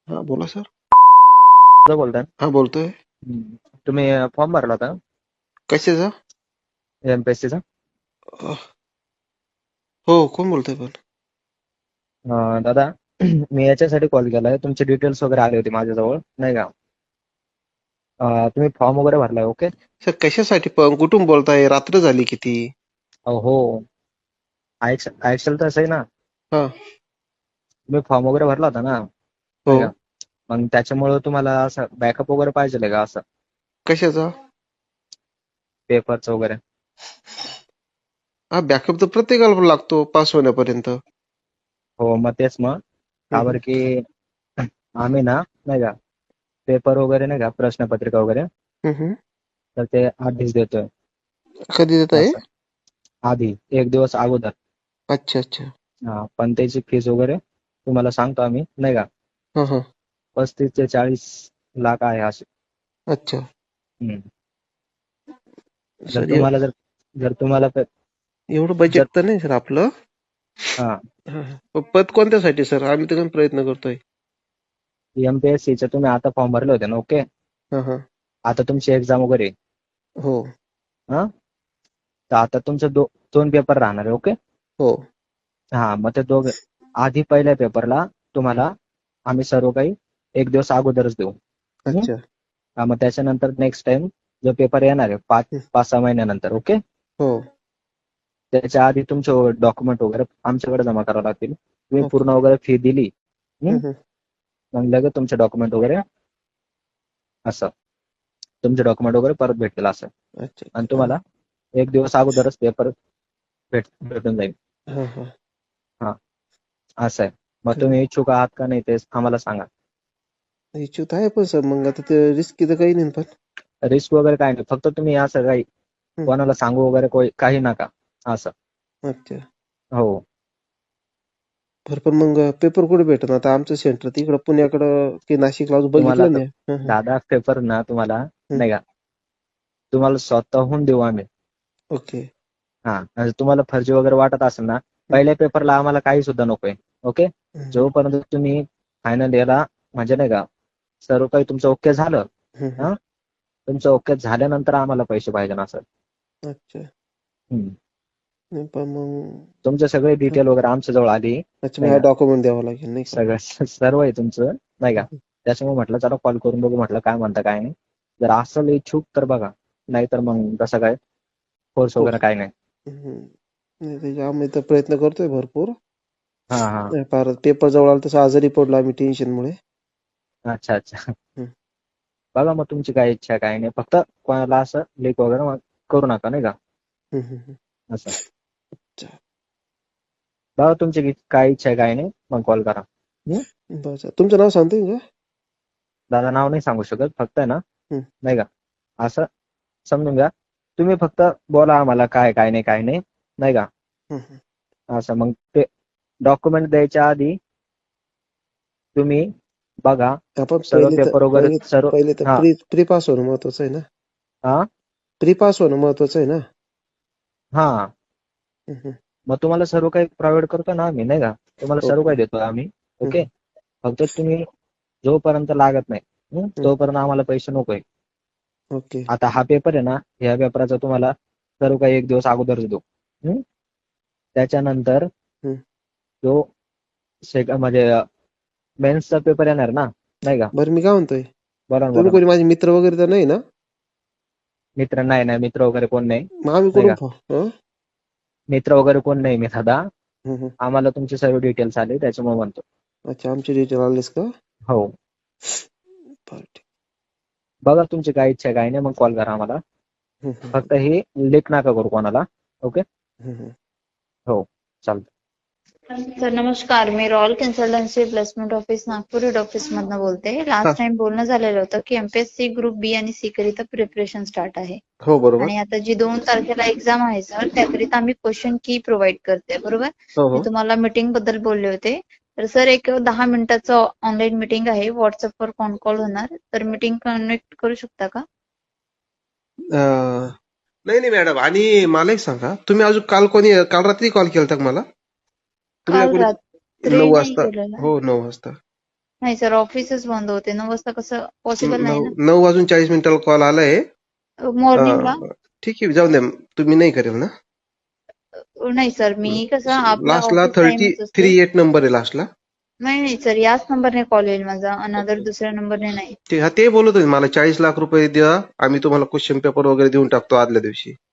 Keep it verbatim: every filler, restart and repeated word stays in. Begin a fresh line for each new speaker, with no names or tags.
हा बोला सर.
दादा बोलताय?
हा बोलतोय.
हम्म. तुम्ही फॉर्म भरला होता
कशाचा?
एमपीएससी चा?
अह, हो कोण बोलतोय पण?
अं, दादा मी याच्यासाठी कॉल केलाय, तुमचे डिटेल्स वगैरे आले होते माझ्याजवळ नाही का. अं, तुम्ही फॉर्म वगैरे भरलाय? ओके.
सर कशासाठी पण कुठून बोलताय? रात्र झाली किती?
हो, ऍक्च्युअल तसं आहे ना,
हा.
तुम्ही फॉर्म वगैरे भरला होता ना
हो.
नाही का. मग त्याच्यामुळे तुम्हाला असं बॅकअप वगैरे पाहिजे का, असं
कशाचा?
पेपरचं वगैरे?
हा बॅकअप तर प्रत्येकाला लागतो पास होण्यापर्यंत.
हो मग तेच, मग का
हम्म,
बरं की आम्ही ना नाही का पेपर वगैरे नाही का, प्रश्नपत्रिका वगैरे,
हम्म, हम्म.
तर ते आधीच देतोय
कधी देत आहे?
असं, आधी एक दिवस अगोदर.
अच्छा अच्छा.
हा, पण त्याची फीस वगैरे तुम्हाला सांगतो आम्ही नाही का,
हा हा.
पस्तीस ते चाळीस लाख आहे असे.
अच्छा.
हम्म. जर
सर
तुम्हाला जर जर तुम्हाला प-
एवढं
जर
बजेट तर नाही सर आपलं.
हा,
हा, हा. प- पद कोणत्यासाठी सर? आम्ही तर प्रयत्न करतोय.
एमपीएससीचे तुम्ही आता फॉर्म भरले होते ना? ओके.
हा हा.
आता तुमची एक्झाम वगैरे आहे.
हो
हा, तर आता तुमचं दो, दोन पेपर राहणार आहे. ओके.
हो.
हा, मग ते दोघ आधी पहिल्या पेपरला तुम्हाला आम्ही सर्व काही एक दिवस अगोदरच देऊ. हम्म?
अच्छा.
हा, मग त्याच्यानंतर नेक्स्ट टाइम जो पेपर येणार आहे पाच
हम्म,
पाच सहा महिन्यानंतर. ओके.
हो.
त्याच्या आधी तुमचे डॉक्युमेंट वगैरे आमच्याकडे जमा करावे लागतील. तुम्ही
ओके.
पूर्ण वगैरे फी दिली, हम्म,
हम्म, हम्म.
मग लगेच तुमचे डॉक्युमेंट वगैरे असं तुमचे डॉक्युमेंट वगैरे परत भेटतील असं.
अच्छा
आणि
अच्छा.
तुम्हाला एक दिवस अगोदरच पेपर भेट भेटून जाईल.
हा हा.
हा, असं आहे. मग
हम्म.
तुम्ही इच्छुक आहात का नाही ते आम्हाला सांगा.
इच्छुक आहे पण सर, मग आता ते रिस्क तर काही नाही पण.
रिस्क वगैरे काय नाही, फक्त तुम्ही असं काही
हम्म,
कोणाला सांगू वगैरे कोई- काही नका असं.
अच्छा.
हो.
बरं पण मग पेपर कुठे भेटत आता? आमचं सेंटर तिकडं पुण्याकडं की नाशिकला अजून
तुम्हाला
बघितलं
तर
नाही. हं, हं,
दादा पेपर ना तुम्हाला
हं.
नाही का, तुम्हाला स्वतःहून देऊ आम्ही.
ओके.
हा, आणि तुम्हाला फर्जी वगैरे वाटत असेल ना,
हं,
पहिल्या पेपरला आम्हाला काही सुद्धा नकोय. ओके.
हं, हं,
जोपर्यंत तुम्ही फायनल याला म्हणजे नाही का सर्व काही तुमचं ओके झालं,
हं, हं.
हा, तुमचं ओके झाल्यानंतर आम्हाला पैसे पाहिजे ना सर.
अच्छा.
हम्म.
नाही पण मग
तुमचे सगळे
हं.
डिटेल वगैरे आमच्या जवळ आली
अच्छा, मग
नाही
हा
का,
डॉक्युमेंट द्यावा लागेल नाही का?
सगळं सर्व आहे तुमचं नाही
हं,
का.
हं.
त्याच्यामुळे म्हटलं चला कॉल करून बघू, म्हटलं काय म्हणता काय नाही. जर असेल इच्छुक तर बघा, नाहीतर मग कसं काय कोर्स
हो.
वगैरे काय नाही.
हं. नाही त्याचे आम्ही तर प्रयत्न करतोय भरपूर.
हा हा.
नाही, फार पेपर जवळ आला तसं आजारी पडलो आम्ही टेन्शनमुळे.
अच्छा अच्छा.
हं,
बघा मग तुमची काय इच्छा काय नाही, फक्त कोणाला असं लीक वगैरे मग करू नका नाही का
हं, हं, हं.
असं.
चा-
बघा तुमची की- काय इच्छा आहे काय नाही, मग कॉल करा. हं?
बरं चालेल. तुमचं नाव सांगता येईल का?
दादा नाव नाही सांगू शकत, फक्त आहे ना
हं,
नाही का असं समजून घ्या. तुम्ही फक्त बोला आम्हाला काय काय नाही काय नाही नाही का
हं, हं.
असं. मग ते डॉक्युमेंट द्यायच्या आधी तुम्ही बघा
आपण
सर्व
पहिले तर
पेपर वगैरे
पहिले
सर्व.
पहिले तर
हा
प्री प्री पास होणं महत्वाचं आहे ना.
हा
प्री पास होणं महत्वाचं आहे ना.
हा.
हं, हं.
मग तुम्हाला सर्व काही प्रोव्हाइड करतो ना आम्ही नाही का, तुम्हाला सर्व
ओके.
काही देतो आम्ही.
हं,
ओके.
हं,
फक्त तुम्ही जोपर्यंत लागत नाही, हं,
हं.
तोपर्यंत आम्हाला पैसे नकोय.
ओके.
आता हा पेपर आहे ना, ह्या पेपराचा तुम्हाला सर्व काही एक दिवस अगोदरच देऊ. हं? त्याच्यानंतर
हं.
जो सेक म्हणजे मेन्सचा पेपर येणार ना नाही का.
बरं मी काय म्हणतोय,
बोला ना
तुम्ही
बोला ना.
कोणी माझे मित्र वगैरे तर नाही ना?
मित्र नाही नाही, मित्र वगैरे कोण नाही
मग आम्ही
नाही
कुठून
का.
फॉ हं?
मित्र वगैरे कोण नाही मी दादा.
हं, हं.
आम्हाला तुमचे सर्व डिटेल्स आले त्याच्यामुळे म्हणतो.
अच्छा, आमचे डिटेल आलेस का?
हो.
बरं ठीक.
बघा तुमची काय इच्छा आहे काय नाही, मग कॉल करा आम्हाला.
हं, हं,
फक्त हे लीक नका करू कोणाला. ओके.
हं, हं.
हो, चालतं.
सर नमस्कार, मी royal consultancy placement office Nagpur head office मधनं बोलते.
हां.
लास्ट टाइम बोलणं झालेलं होतं की एमपीएससी ग्रुप बी आणि सी करिता प्रिपरेशन स्टार्ट आहे.
हो, बरोबर.
आणि आता जी दोन तारखेला एक्झाम आहे सर, त्याकरिता आम्ही क्वेश्चन की प्रोव्हाइड करते, बरोबर?
हो,
मी
हो.
तुम्हाला मीटिंग बद्दल बोलले होते. तर सर एक दहा मिनिटाचं ऑनलाईन मीटिंग आहे, व्हॉट्सअपवर कॉन कॉल होणार. तर मीटिंग कनेक्ट करू शकता का?
अ, नाही, नाही मॅडम. आणि मला एक सांगा, तुम्ही अजून काल कोणी काल रात्री कॉल केलता का मला? तुम्ही का
काल
कोणी
रात्री
नऊ
नाही
वाजता?
केलेला.
हो, नऊ वाजता.
नाही सर, ऑफिसच बंद होते. नऊ वाजता कसं पॉसिबल नाही
नऊ नऊ वाजून चाळीस मिनिटाला कॉल आलाय.
ना मॉर्निंगला.
अं, ठीक आहे, जाऊन द्या. तुम्ही नाही करेल ना?
नाही सर, मी कसं आपला
लास्टला
ऑफिस
थर्टी
टाइमच असतो.
थ्री एट नंबर आहे लास्टला.
नाही नाही सर, याच नंबरने कॉल येईल माझा, अनदर दुसऱ्या नंबरने नाही.
ते हा ते बोलत होते मला चाळीस लाख रुपये द्या, आम्ही तुम्हाला क्वेश्चन पेपर वगैरे देऊन टाकतो आदल्या दिवशी.